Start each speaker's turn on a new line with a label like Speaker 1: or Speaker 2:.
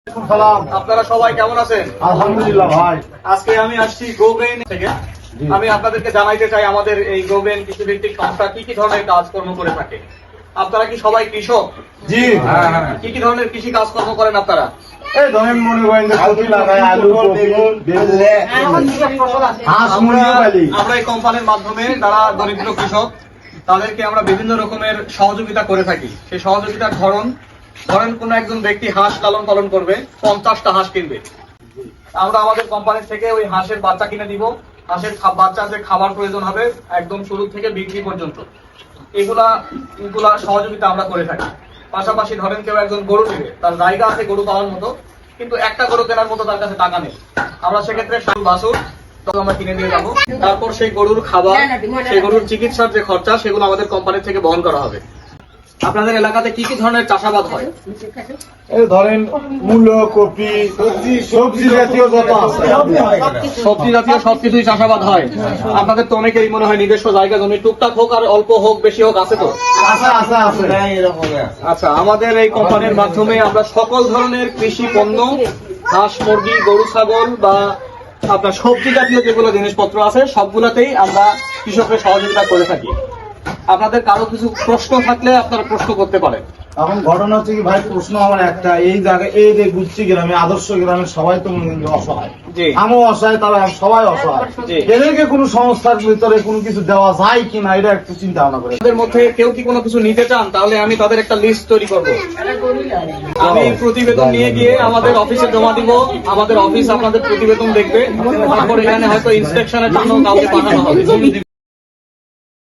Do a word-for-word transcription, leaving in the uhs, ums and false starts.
Speaker 1: আপনারা সবাই কেমন আছেন?
Speaker 2: আলহামদুলিল্লাহ ভাই।
Speaker 1: আজকে আমি আসছি গোগ্রেইন থেকে। আমি আপনাদেরকে জানাইতে চাই আমাদের এই গোগ্রেইন কৃষি ভিত্তিক সংস্থা কি কি ধরনের কাজকর্ম করে থাকে। আপনারা কি সবাই কৃষক?
Speaker 2: জি।
Speaker 1: কি কি ধরনের কৃষি কাজকর্ম করেন আপনারা?
Speaker 2: এই ধরেন মনে করেন যে সবজি লাগাই, আলু, কপি, বেগুন, হাঁস, মুরগি পালি।
Speaker 1: আমরা এই কোম্পানির মাধ্যমে যারা দরিদ্র কৃষক তাদেরকে আমরা বিভিন্ন রকমের সহযোগিতা করে থাকি। সেই সহযোগিতার ধরন, ধরেন কোন একজন ব্যক্তি হাঁস লালন পালন করবে, পঞ্চাশটা হাঁস কিনবে, আমরা আমাদের কোম্পানি থেকে ওই হাঁসের বাচ্চা কিনে দিব। হাঁসের বাচ্চা যে খাবার প্রয়োজন হবে একদম শুরু থেকে বিক্রি পর্যন্ত, এগুলা এগুলা সহযোগিতা আমরা করে থাকি। পাশাপাশি ধরেন কেউ একজন গরু নেবে, তার জায়গা আছে গরু পাওয়ার মতো, কিন্তু একটা গরু কেনার মতো তার কাছে টাকা নেই, আমরা সেক্ষেত্রে বাছুর আমরা কিনে দিয়ে যাবো। তারপর সেই গরুর খাবার, সেই গরুর চিকিৎসার যে খরচা, সেগুলো আমাদের কোম্পানি থেকে বহন করা হবে। আপনাদের এলাকাতে কি কি ধরনের চাষাবাদ হয়?
Speaker 2: এই ধরেন মূলো, কপি, সবজি জাতীয় যত আছে,
Speaker 1: সবজি জাতীয় সবকিছুই চাষাবাদ হয়। আপনাদের তো অনেকেরই মনে হয় নিজস্ব জায়গা জমি, টুকটাক হোক আর অল্প হোক বেশি হোক আছে তো?
Speaker 2: আছে আছে আছে।
Speaker 1: আচ্ছা, আমাদের এই কোম্পানির মাধ্যমে আমরা সকল ধরনের কৃষি পণ্য, হাঁস, মুরগি, গরু, ছাগল বা আপনার সবজি জাতীয় যেগুলো জিনিসপত্র আছে সবগুলোতেই আমরা কৃষকদের সহযোগিতা করে থাকি। আপনাদের কারো কিছু প্রশ্ন থাকলে আপনারা প্রশ্ন করতে পারেন।
Speaker 2: এখন ঘটনা হচ্ছে কি ভাই, প্রশ্ন আমার একটা, এই জায়গায় এই যে গুচ্ছি গ্রামে, আদর্শ গ্রামে সবাই তো অসহায়, আমিও অসহায়, তারা সবাই অসহায়, এদেরকে কোনো সংস্থার ভিতরে কোনো কিছু দেওয়া যায় কিনা এটা একটু চিন্তা ভাবনা করে।
Speaker 1: তাদের মধ্যে কেউ কি কোনো কিছু নিতে চান তাহলে আমি তাদের একটা লিস্ট তৈরি করব। আমি প্রতিবেদন নিয়ে গিয়ে আমাদের অফিসে জমা দিব, আমাদের অফিস আপনাদের প্রতিবেদন দেখবে, তারপর এখানে হয়তো ইন্সপেকশনের জন্য কাউকে পাঠানো হবে।